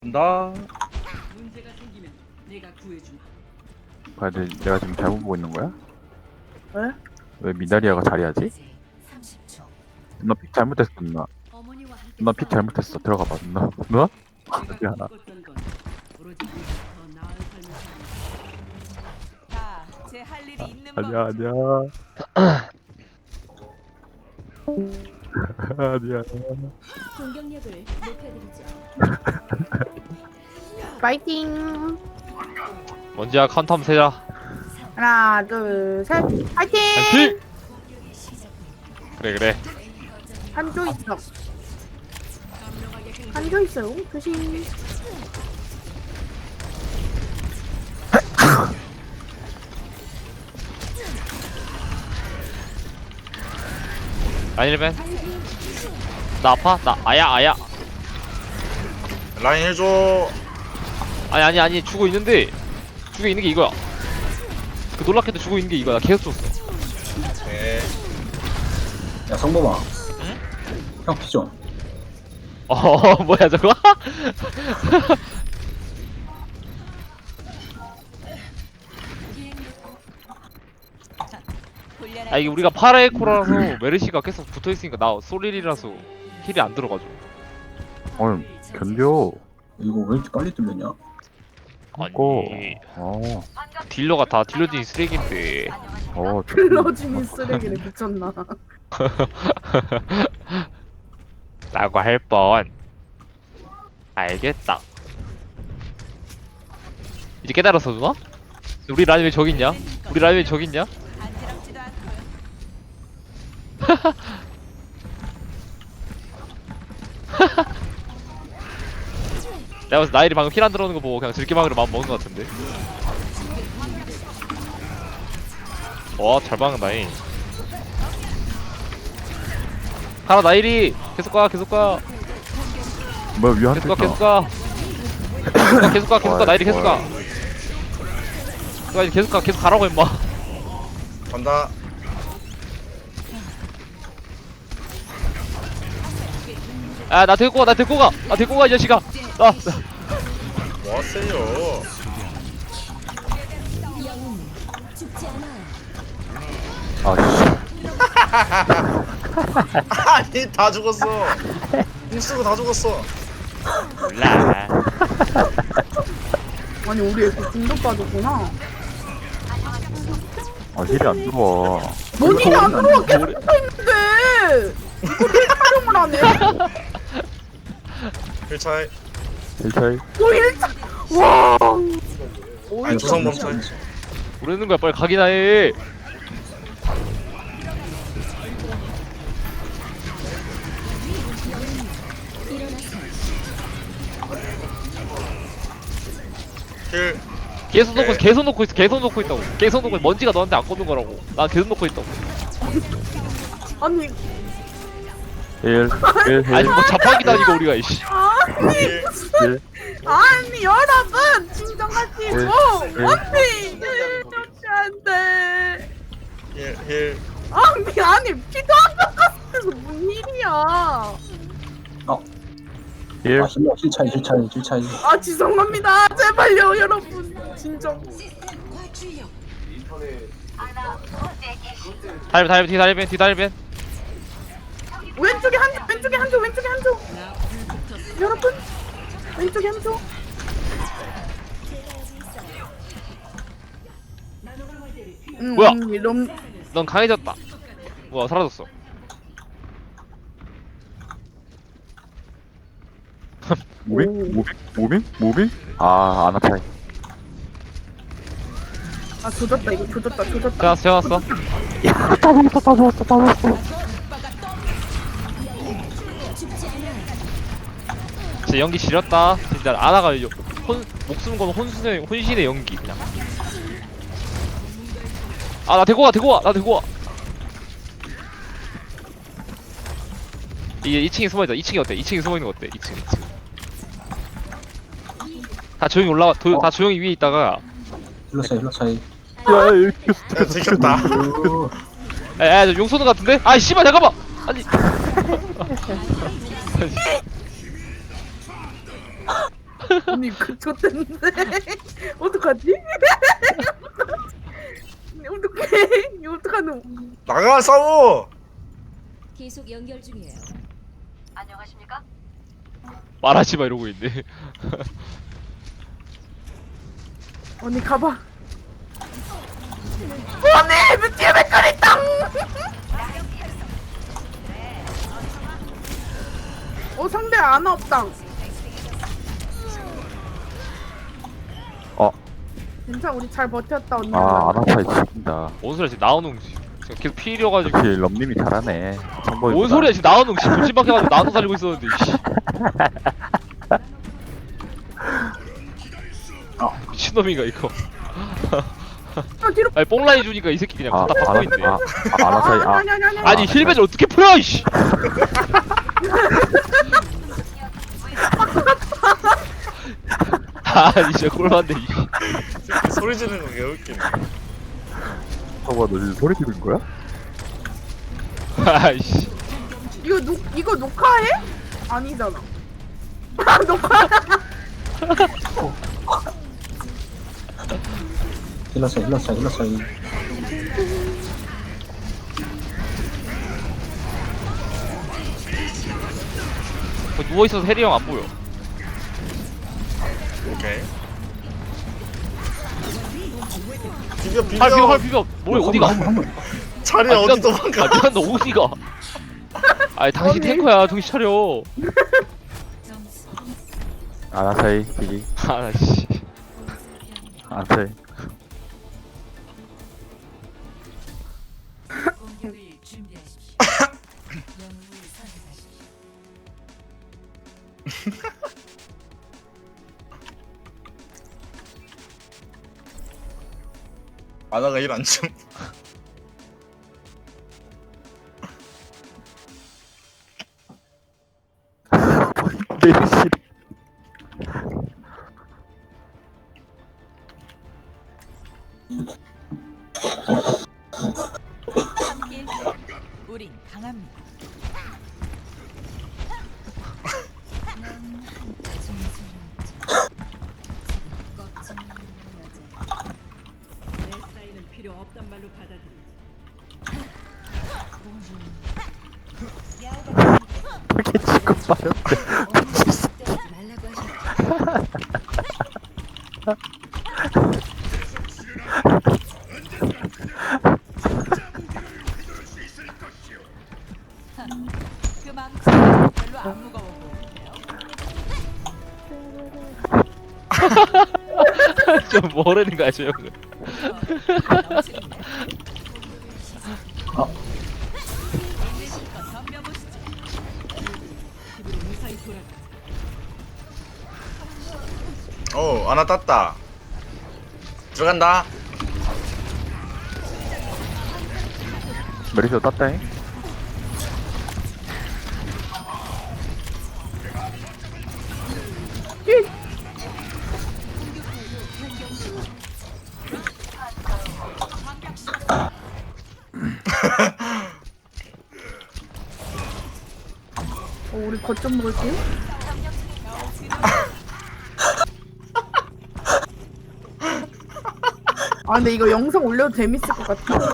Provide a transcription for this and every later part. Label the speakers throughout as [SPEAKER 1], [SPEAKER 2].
[SPEAKER 1] 나
[SPEAKER 2] 문제가 생기면 내가 구해주마.
[SPEAKER 3] 봐야 돼. 내가 지금 잘못 보고 있는 거야?
[SPEAKER 4] 왜?
[SPEAKER 3] 왜 미나리아가 자리하지?
[SPEAKER 5] 30초.
[SPEAKER 3] 누나 픽 잘못했어 누나.
[SPEAKER 2] 어머니와 함께
[SPEAKER 3] 누나 픽 잘못했어. 들어가봐 누나. 누나?
[SPEAKER 2] 내가
[SPEAKER 3] 미안하다.
[SPEAKER 2] 꿈꿨던 건 오로지 네가 더 나은 삶을 사는 것.
[SPEAKER 5] 제 할 일이 있는
[SPEAKER 3] 아니야 아니야. 아니야.
[SPEAKER 6] 공격력을 높여드리죠.
[SPEAKER 4] 파이팅!
[SPEAKER 7] 먼지야 카운터 한번 세자.
[SPEAKER 4] 하나, 둘, 셋, 파이팅!
[SPEAKER 7] 파이팅! 그래
[SPEAKER 4] 한조 있어. 한조 있어요. 조심.
[SPEAKER 7] 라인 1벤. 나 아파? 나 아야
[SPEAKER 1] 라인 해줘.
[SPEAKER 7] 아니 죽어 있는데 죽어 있는 게 이거야. 그 놀랍게도 죽어 있는 게 이거야. 나 계속 줬어.
[SPEAKER 1] 네.
[SPEAKER 8] 야 성범아 형 피 좀.
[SPEAKER 7] 뭐야 저거? 아 이게 우리가 파라에코라서 메르시가 계속 붙어있으니까 나 소릴이라서 힐이 안 들어가죠.
[SPEAKER 3] 견뎌.
[SPEAKER 8] 이거 왜 이렇게 빨리 뚫렸냐?
[SPEAKER 3] 고.
[SPEAKER 7] 아니
[SPEAKER 3] 어.
[SPEAKER 7] 딜러가 다 딜러진 쓰레기인데.
[SPEAKER 4] 클로징이 쓰레기를 미쳤나.
[SPEAKER 7] 라고 할 뻔. 알겠다. 이제 깨달았어 누나? 우리 라인 왜 저기 있냐? 우리 라인 왜 저기 있냐?
[SPEAKER 5] 간지럽지도 않고요.
[SPEAKER 7] 내가 봤을 때 나일이 방금 힐 안 들어오는 거 보고 그냥 들기망으로 마음 먹은 거 같은데. 와, 잘 박는다잉. 가라 나일이 계속 가
[SPEAKER 3] 뭐야 위한
[SPEAKER 7] 계속 가 나일이 계속 가 계속 가라고 임마.
[SPEAKER 1] 간다.
[SPEAKER 7] 아 나 데리고 가 이 자식아.
[SPEAKER 1] 뭐 하세요?
[SPEAKER 6] 죽지 않아요.
[SPEAKER 1] 아니 다 죽었어. 공수가 다 죽었어.
[SPEAKER 7] 몰라.
[SPEAKER 4] 아니, 우리 애들 중독 빠졌구나.
[SPEAKER 3] 힐이 안 들어와.
[SPEAKER 4] 뭔 일이 안 들어와. 계속 붙어있는데! 이거를 촬영을 안 해?
[SPEAKER 1] 힐차이.
[SPEAKER 3] 힐 차이.
[SPEAKER 4] 뭐 일자. 와!
[SPEAKER 1] 아니 조성 멈춰.
[SPEAKER 7] 모르는 거야 빨리 가기나 해.
[SPEAKER 1] 힐.
[SPEAKER 7] 계속 놓고 있다고. 계속 놓고 먼지가 너한테 안 꽂는 거라고. 난 계속 놓고 있다고.
[SPEAKER 4] 아니,
[SPEAKER 3] 힐.
[SPEAKER 7] 아니 뭐 자판기다 이거 우리가 이씨.
[SPEAKER 1] 힐.
[SPEAKER 4] 아니, 여러분! 진정하시고!
[SPEAKER 3] 네.
[SPEAKER 4] 언니! 좋지 않대.
[SPEAKER 1] 힐.
[SPEAKER 4] 아니, 피도 안 깎았어서 뭔 일이야.
[SPEAKER 3] 힐.
[SPEAKER 8] 아 힐차이.
[SPEAKER 4] 아, 죄송합니다. 제발요, 여러분. 진정.
[SPEAKER 7] 뒤달벤.
[SPEAKER 4] 왼쪽에 한 조. 여러분, 왼쪽에 한 조.
[SPEAKER 7] 뭐야?
[SPEAKER 4] 이런
[SPEAKER 7] 넌 강해졌다. 뭐야 사라졌어.
[SPEAKER 3] 무빙? 아, 안 아파요.
[SPEAKER 4] 아, 조졌다. 이거 조졌다.
[SPEAKER 7] 재웠어.
[SPEAKER 3] 다 먹었어.
[SPEAKER 7] 진짜 연기 지렸다. 진짜 아나가 목숨 건 혼신의 연기 그냥. 아 나 데리고 와. 이게 2층에 숨어있다. 2층이 어때? 2층에 숨어있는 거 어때? 2층. 다 조용히 올라가. 다 조용히 위에 있다가.
[SPEAKER 8] 힐러차이.
[SPEAKER 3] 야, 이렇게
[SPEAKER 1] 야, 들켰다.
[SPEAKER 7] 야, 저 용소는 같은데? 아, 씨발, 잠깐만! 아니.
[SPEAKER 4] 언니 그 좋댔는데 어떡하지? 어떡해? 이거 어떡하노?
[SPEAKER 1] 나가 싸워.
[SPEAKER 6] 계속 연결 중이에요.
[SPEAKER 7] 말하지 마 이러고 있네.
[SPEAKER 4] 언니 가봐. 언니 뮤티의 맥거리 땅. 상대 아나 없당. 괜찮아 우리 잘 버텼다 언니.
[SPEAKER 3] 아나차이 죽인다.
[SPEAKER 7] 뭔 소리야 지금 나오는 지금 계속 피려가지고.
[SPEAKER 3] 역시 럼님이 잘하네. 정보이.
[SPEAKER 7] 뭔 소리야 지금 나오는 지금 돌진박해가지고 나도 살리고 있었는데. 씨. 미친놈인가 이거.
[SPEAKER 4] 뒤로.
[SPEAKER 7] 아니 뽕라인 주니까 이 새끼 그냥 갖다 받고 있네.
[SPEAKER 3] 아나차이.
[SPEAKER 4] 아니.
[SPEAKER 7] 아니 힐벤을 어떻게 풀어 이씨. 아니 진짜 꼴만데 이.
[SPEAKER 1] 소리 지르는 거 개웃기네.
[SPEAKER 3] 너 지금 소리 지른 거야?
[SPEAKER 7] 아이씨.
[SPEAKER 4] 이거 녹화해? 아니잖아. 녹화.
[SPEAKER 8] 힐러 차이 힐러 차이 힐러 차이.
[SPEAKER 7] 누워 있어서 해리 형 안 보여.
[SPEAKER 1] 오케이. 비벼 비벼.
[SPEAKER 7] 할 비벼. 뭐야 어디가?
[SPEAKER 1] 자리에 어디 도망가.
[SPEAKER 7] 아 너 어디가? 아니 당신 탱커야 정신 차려.
[SPEAKER 3] 아나차이 기기.
[SPEAKER 7] 아씨.
[SPEAKER 3] 아나차이.
[SPEAKER 5] 공격을 준비하십시오. 영웅을 선택하십시오.
[SPEAKER 1] 아나가 일 안 줌.
[SPEAKER 3] 메르시.
[SPEAKER 5] 함께 우린 강합니다.
[SPEAKER 2] 내 사인은 필요 없단 말로 받아들이지.
[SPEAKER 3] 이렇게 지금 빠졌대.
[SPEAKER 6] 말라고 하셨죠.
[SPEAKER 5] 그 망치 별로 안 무거워 보이는데요.
[SPEAKER 7] 좀 모르는 거야 저 형은.
[SPEAKER 5] 덤벼보시죠.
[SPEAKER 2] 집으로 무사히 돌아가.
[SPEAKER 1] 아나 땄다. 들어간다.
[SPEAKER 3] 메르시도 땄다잉.
[SPEAKER 4] 우리 거점 먹을게요. 근데 이거 영상 올려도 재밌을 것 같아.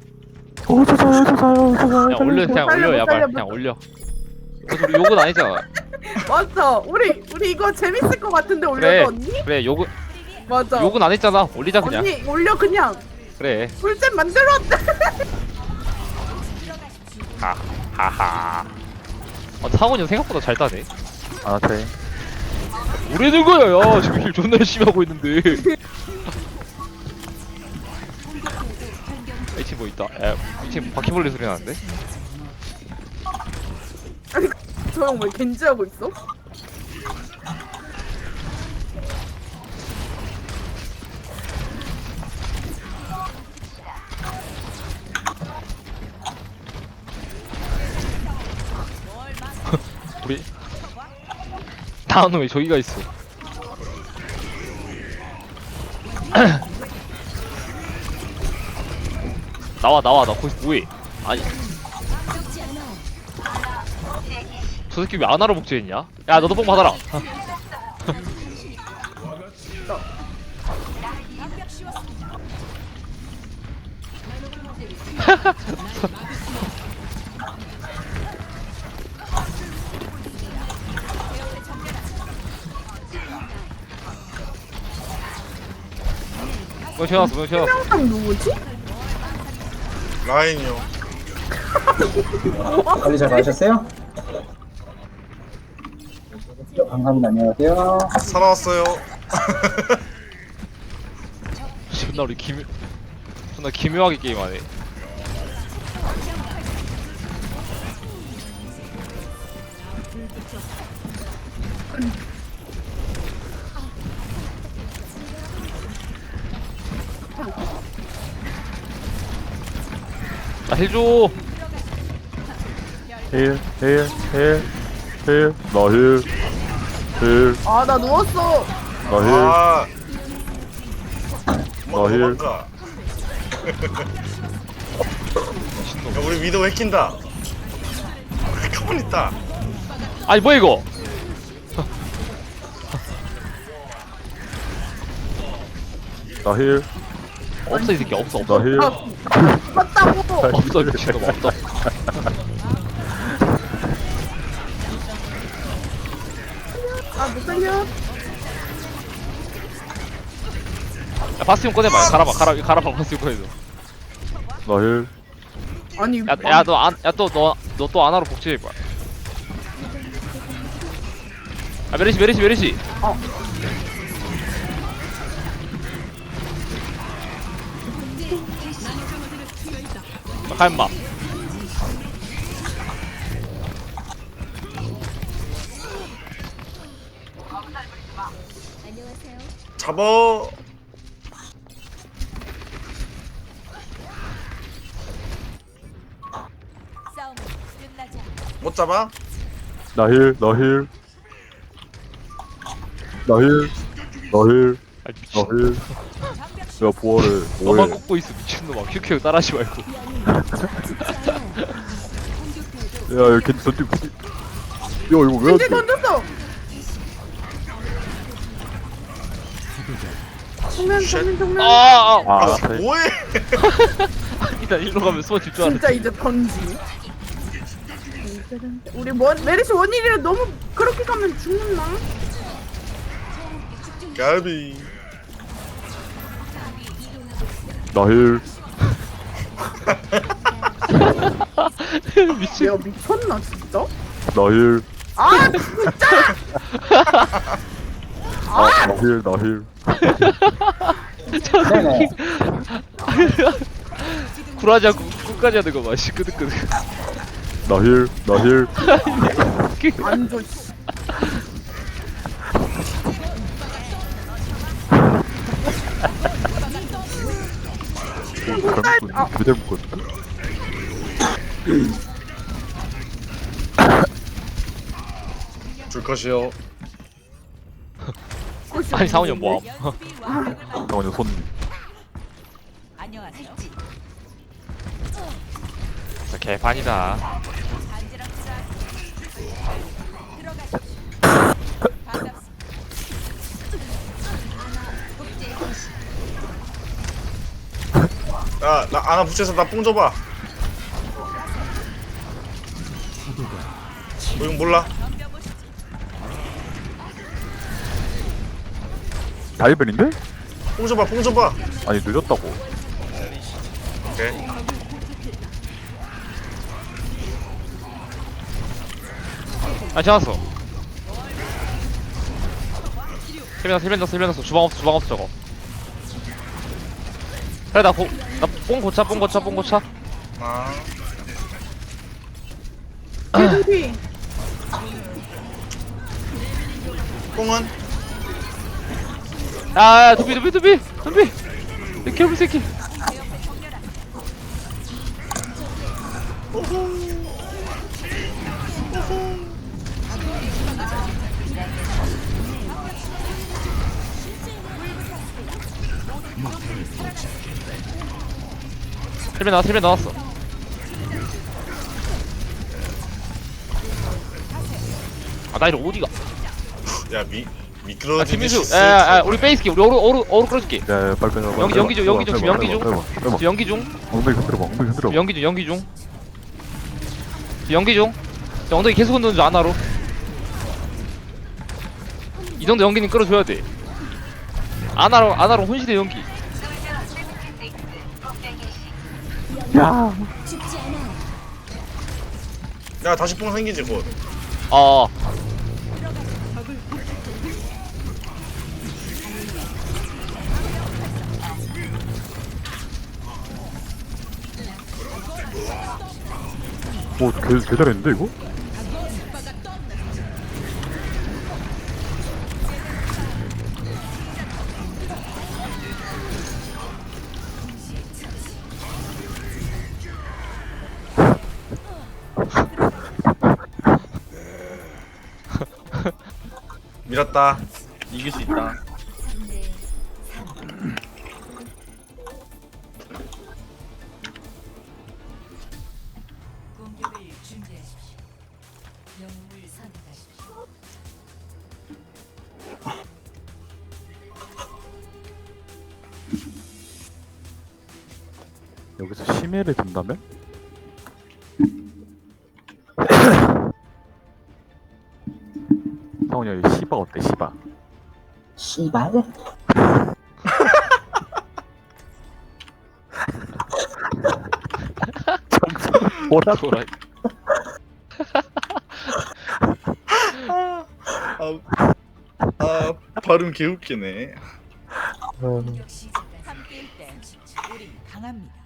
[SPEAKER 7] 그냥 올려 그냥
[SPEAKER 4] 못 살려,
[SPEAKER 7] 올려
[SPEAKER 4] 못
[SPEAKER 7] 야발
[SPEAKER 4] 살려,
[SPEAKER 7] 그냥 올려. 그래서 우리 욕은 아니잖아.
[SPEAKER 4] 맞아. 우리 이거 재밌을 것 같은데 올려도
[SPEAKER 7] 그래.
[SPEAKER 4] 언니?
[SPEAKER 7] 그래 욕은
[SPEAKER 4] 맞아.
[SPEAKER 7] 욕은 안 했잖아. 올리자 그냥.
[SPEAKER 4] 언니 올려 그냥.
[SPEAKER 7] 그래.
[SPEAKER 4] 꿀잼 만들었대.
[SPEAKER 7] 하하. 상원이 형 생각보다 잘 따네.
[SPEAKER 3] 아나차이.
[SPEAKER 7] 뭐라는 거야 야 지금 힐 존나 열심히 하고 있는데. 이 팀 뭐 있다. 이 팀 바퀴벌레 소리 나는데?
[SPEAKER 4] 저 형 왜 겐지하고 있어?
[SPEAKER 7] 우리 다음 왜 저기가 있어? 나와 나 거기서 뭐해? 아니 저 새끼 왜 안 하러 복제했냐? 야 너도 뽕 받아라.
[SPEAKER 4] 있다.
[SPEAKER 7] 뭐 튀어나왔어 뭐 튀어나왔어.
[SPEAKER 4] 명당 누구지?
[SPEAKER 1] 라인이요.
[SPEAKER 8] 빨리 잘 가셨어요? 감사합니다. 안녕하세요.
[SPEAKER 1] 살아왔어요.
[SPEAKER 7] 존나 우리 존나 기묘하게 게임하네. 나 힐줘.
[SPEAKER 3] 힐, 힐, 힐, 힐, 나 힐, 힐,
[SPEAKER 4] 아, 나 누웠어.
[SPEAKER 3] 나 힐,
[SPEAKER 1] 아.
[SPEAKER 3] 나 힐.
[SPEAKER 1] 도망가. 야, 우리 위도 해킨다. 가만 있다.
[SPEAKER 7] 아니 뭐야 이거?
[SPEAKER 3] 나 힐,
[SPEAKER 7] 없어 이 새끼 없어
[SPEAKER 3] 나
[SPEAKER 7] 없어
[SPEAKER 3] 힐.
[SPEAKER 4] 맞다고.
[SPEAKER 7] 없어 미친놈 없어.
[SPEAKER 4] 아, 못 살려.
[SPEAKER 7] 야 바스티온 꺼내봐. 가라봐 바스티온 꺼내줘.
[SPEAKER 3] 나 힐.
[SPEAKER 4] 아니,
[SPEAKER 7] 야너 또 아나로 복제해봐. 아 메리시.
[SPEAKER 4] 어.
[SPEAKER 7] 가 임마.
[SPEAKER 6] 안녕하세요.
[SPEAKER 1] 잡어.
[SPEAKER 5] 싸움은 끝나지 않아.
[SPEAKER 1] 못 잡아?
[SPEAKER 3] 나 힐, 나 힐. 나 힐, 나 힐,
[SPEAKER 7] 아
[SPEAKER 3] 나
[SPEAKER 7] 미친.
[SPEAKER 3] 힐. 야, 부활해.
[SPEAKER 7] 너만
[SPEAKER 3] 뭐해.
[SPEAKER 7] 꽂고 있어 미친놈아. 큐큐 따라하지 말고.
[SPEAKER 3] 야, 야, 겐지 던지. 야, 이거 왜 안
[SPEAKER 4] 이제
[SPEAKER 3] 돼?
[SPEAKER 4] 던졌어. 정면.
[SPEAKER 7] 아
[SPEAKER 3] 아,
[SPEAKER 1] 아,
[SPEAKER 3] 나
[SPEAKER 1] 뭐해?
[SPEAKER 7] 아니다 일로 가면 수어 집중하네.
[SPEAKER 4] 진짜 이제 던지. 우리 메리시 원일이라 너무 그렇게 가면 죽는다.
[SPEAKER 1] 가비.
[SPEAKER 3] 나 힐.
[SPEAKER 7] 미친.
[SPEAKER 4] 내가 미쳤나 진짜?
[SPEAKER 3] 나 힐.
[SPEAKER 4] 아 진짜!
[SPEAKER 3] 아, 나 힐, 나 힐.
[SPEAKER 8] 네네.
[SPEAKER 7] 굴하지 않고 끝까지 하는 거 봐. 씨 끄득끄득.
[SPEAKER 3] 나 힐, 나 힐.
[SPEAKER 4] 안 줘. 씨. 아.
[SPEAKER 3] 그대 묶었다.
[SPEAKER 1] 줄 것이요.
[SPEAKER 7] 아니 상훈이 형 뭐함?
[SPEAKER 5] 연습이 완벽을 만.
[SPEAKER 3] 잠깐만요, 손.
[SPEAKER 5] 안녕하세요.
[SPEAKER 7] 진짜 개판이다.
[SPEAKER 5] 간지럽지만 들어가십시오. 반갑습니다.
[SPEAKER 1] 야, 나 아나 붙여서 나 뽕 줘봐. 이건 몰라.
[SPEAKER 3] 다이벤인데?
[SPEAKER 1] 뽕 줘봐.
[SPEAKER 3] 아니, 늦었다고.
[SPEAKER 1] 오케이.
[SPEAKER 7] 아 지났어. 힐 넣었어. 주방 없어 저거. 그래 나뽕 고차.
[SPEAKER 1] 아,
[SPEAKER 4] 개두피.
[SPEAKER 1] 뽕은?
[SPEAKER 7] 아 두비. 이 개불 새끼. 힐벤 나왔어. 아 나 이거 어디가?
[SPEAKER 1] 야, 미끄러지듯이
[SPEAKER 7] 김민수
[SPEAKER 1] 쓸
[SPEAKER 7] 야
[SPEAKER 1] 줄
[SPEAKER 7] 우리 베이스키 우리 어루 끌어줄게
[SPEAKER 3] 야 빨리 빨리
[SPEAKER 7] 연기 중 지금 연기 중 지금 연기 중
[SPEAKER 3] 엉덩이 흔들어봐 엉덩이 흔들어봐
[SPEAKER 7] 연기 중 연기 중 엉덩이 계속 흔드는 줄 아나로 이 정도 연기는 끌어줘야 돼 아나로 혼신의 연기
[SPEAKER 3] 야
[SPEAKER 6] 죽지 않아요.
[SPEAKER 1] 야 다시 뽕 생기지 곧.
[SPEAKER 7] 어
[SPEAKER 3] 개 잘했는데 이거?
[SPEAKER 1] 밀었다. 이길 수 있다.
[SPEAKER 5] 공격을 준비하십시오. 영웅을 선택하십시오.
[SPEAKER 3] 여기서 심해를 든다면? 성훈이 여기 시바 어때 시바?
[SPEAKER 8] 씨발.
[SPEAKER 3] 뭐라
[SPEAKER 7] 돌아
[SPEAKER 1] 발음 개웃기네.
[SPEAKER 5] 공격 시작. 함께일 때 우린 강합니다.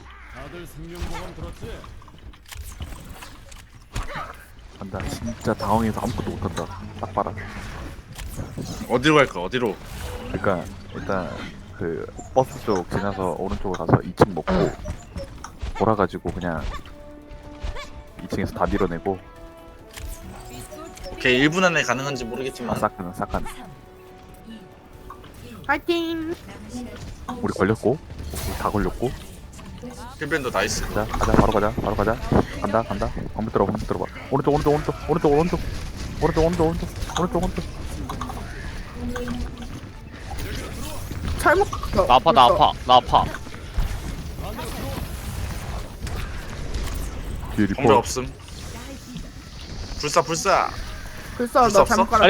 [SPEAKER 3] 간다 진짜 당황해서 아무것도 못한다 딱 봐라
[SPEAKER 1] 어디로 갈까? 어디로?
[SPEAKER 3] 그러니까 일단 그 버스 쪽 지나서 오른쪽으로 가서 2층 먹고 돌아가지고 그냥 2층에서 다 밀어내고
[SPEAKER 1] 오케이 1분 안에 가능한지 모르겠지만
[SPEAKER 3] 싹가는
[SPEAKER 4] 파이팅.
[SPEAKER 3] 우리 걸렸고 우리 다 걸렸고
[SPEAKER 1] 힐밴드 나이스.
[SPEAKER 3] 가자 바로 가자 간다 방금 들어봐 오른쪽
[SPEAKER 4] 잘못 갔어.
[SPEAKER 7] 나 아파
[SPEAKER 3] 뒤에
[SPEAKER 1] 정배
[SPEAKER 3] 리퍼
[SPEAKER 1] 없음. 불사.
[SPEAKER 4] 글쎄
[SPEAKER 1] 불사
[SPEAKER 4] 나
[SPEAKER 1] 없어?
[SPEAKER 4] 잘못 깔았어.
[SPEAKER 7] 아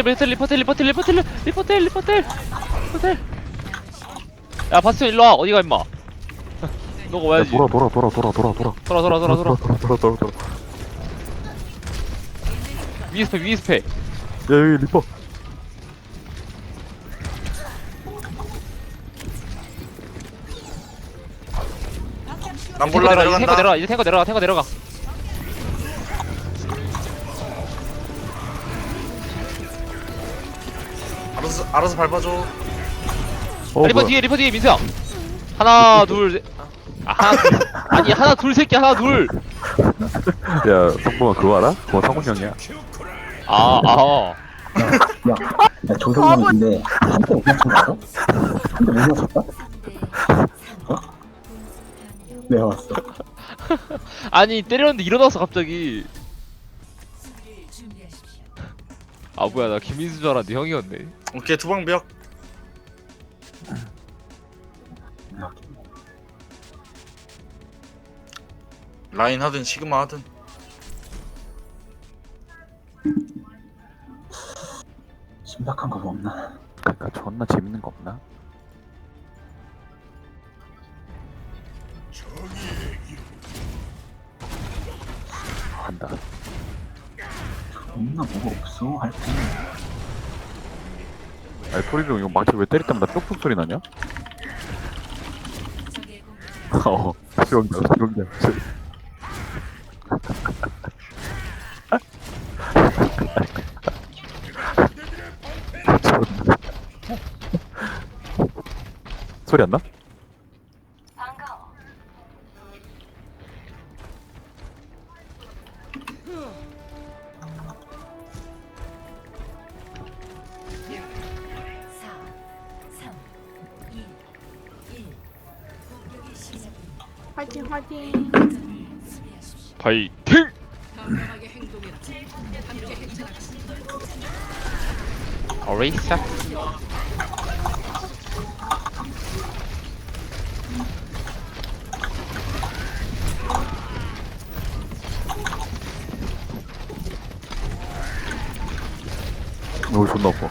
[SPEAKER 7] 리퍼텔 야 바스티온 일로와 어디가 임마 너가 와야지
[SPEAKER 3] 돌아
[SPEAKER 7] 돌아 위스페
[SPEAKER 3] 야 여기 리퍼
[SPEAKER 1] 난 몰라 내려간다.
[SPEAKER 7] 이제 탱커 내려가
[SPEAKER 1] 알아서 밟아줘.
[SPEAKER 7] 리퍼 뒤에 민수야 하나 둘 아니 하나 둘 새끼 하나 둘
[SPEAKER 3] 야 성범아 그거 알아? 그거 성훈 형이야
[SPEAKER 7] 아
[SPEAKER 8] 야 조성형인데 한대 못 맞춘 거 알아? 한대 못 맞췄다? 내가 왔어.
[SPEAKER 7] 아니 때렸는데 일어났어 갑자기
[SPEAKER 5] 수비를 준비하십시오.
[SPEAKER 7] 아 뭐야 나 김민수 줄 알았는데 형이었네
[SPEAKER 1] 오케이 투방벽. 라인 하든 시그마 하든.
[SPEAKER 8] 신박한 거 뭐 없나?
[SPEAKER 3] 그니까 존나 재밌는 거 없나? 간다
[SPEAKER 8] 없나 뭐가 없어 할 때.
[SPEAKER 3] 아니 토리로 이거 망치 왜 때릴 때마다 뾱뾱 소리 나냐?
[SPEAKER 5] 적의 공격
[SPEAKER 3] 수영장 소리 안 나?
[SPEAKER 4] 파이팅.
[SPEAKER 7] 파이팅
[SPEAKER 2] 당당하게 행동해라. 함께 행동하라.
[SPEAKER 7] 어레이사.
[SPEAKER 3] 오 존나 아파.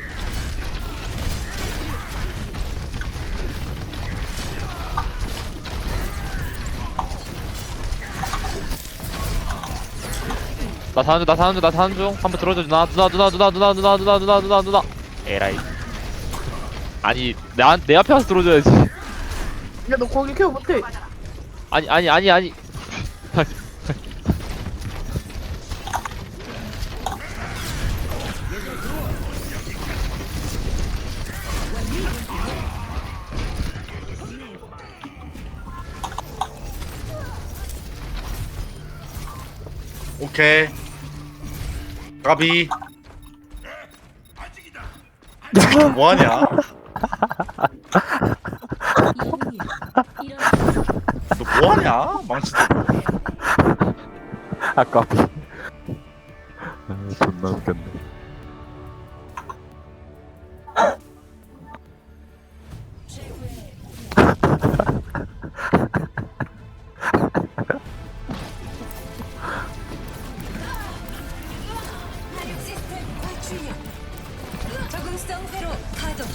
[SPEAKER 7] 나 사는 중. 한번 들어줘. 누나. 에라이. 아니, 내 앞에 와서 들어줘야지.
[SPEAKER 4] 야, 너 거기 케어 못해.
[SPEAKER 7] 아니.
[SPEAKER 1] 오케이. 가비. 뭐하냐?
[SPEAKER 6] 이분이 이런
[SPEAKER 1] 너 뭐하냐? 망치도.
[SPEAKER 3] 아까비. 아, 존나 웃겼네.
[SPEAKER 5] 시스템 활출력. 적응성 회로 가동.